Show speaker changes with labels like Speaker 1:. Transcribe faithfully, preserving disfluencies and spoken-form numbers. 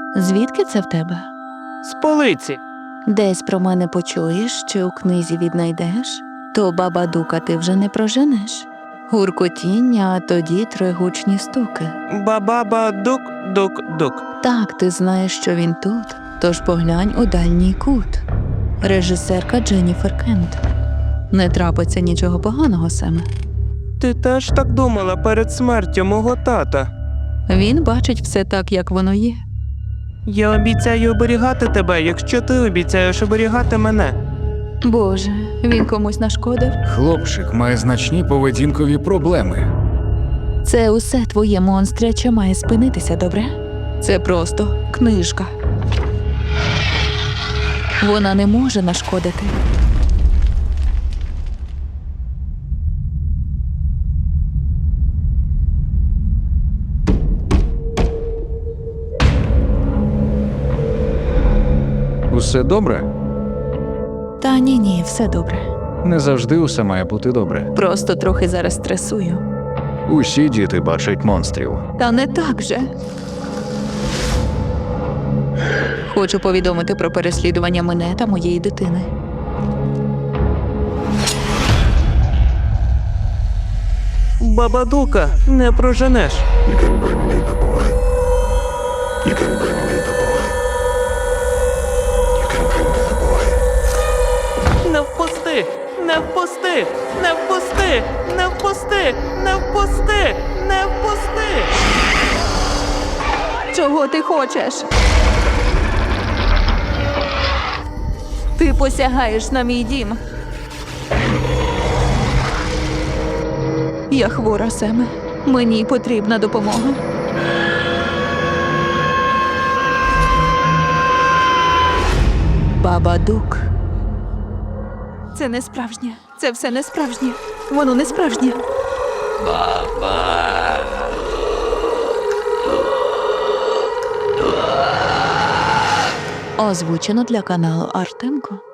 Speaker 1: Звідки це в тебе?
Speaker 2: З полиці.
Speaker 1: Десь про мене почуєш чи у книзі віднайдеш, то Бабадука ти вже не проженеш. Гуркотіння, а тоді тригучні стуки.
Speaker 2: Ба-ба-ба, дук-дук-дук.
Speaker 1: Так, ти знаєш, що він тут, тож поглянь у дальній кут. Режисерка Дженніфер Кент. Не трапиться нічого поганого, Семе.
Speaker 2: Ти теж так думала перед смертю мого тата?
Speaker 1: Він бачить все так, як воно є.
Speaker 2: Я обіцяю оберігати тебе, якщо ти обіцяєш оберігати мене.
Speaker 1: Боже, він комусь нашкодив?
Speaker 3: Хлопчик має значні поведінкові проблеми.
Speaker 1: Це усе твоє монстряче має спинитися, добре? Це просто книжка. Вона не може нашкодити.
Speaker 3: Усе добре?
Speaker 1: Та ні-ні, все добре.
Speaker 3: Не завжди усе має бути добре.
Speaker 1: Просто трохи зараз стресую.
Speaker 3: Усі діти бачать монстрів.
Speaker 1: Та не так же. Хочу повідомити про переслідування мене та моєї дитини.
Speaker 2: Бабадука, не проженеш. Не впусти! Не впусти! Не впусти! Не впусти! Не впусти! Не впусти!
Speaker 1: Чого ти хочеш? Ти посягаєш на мій дім. Я хвора, Семе. Мені потрібна допомога. Бабадук. Це не справжнє. Це все не справжнє. Воно не справжнє. Озвучено для каналу Артемко.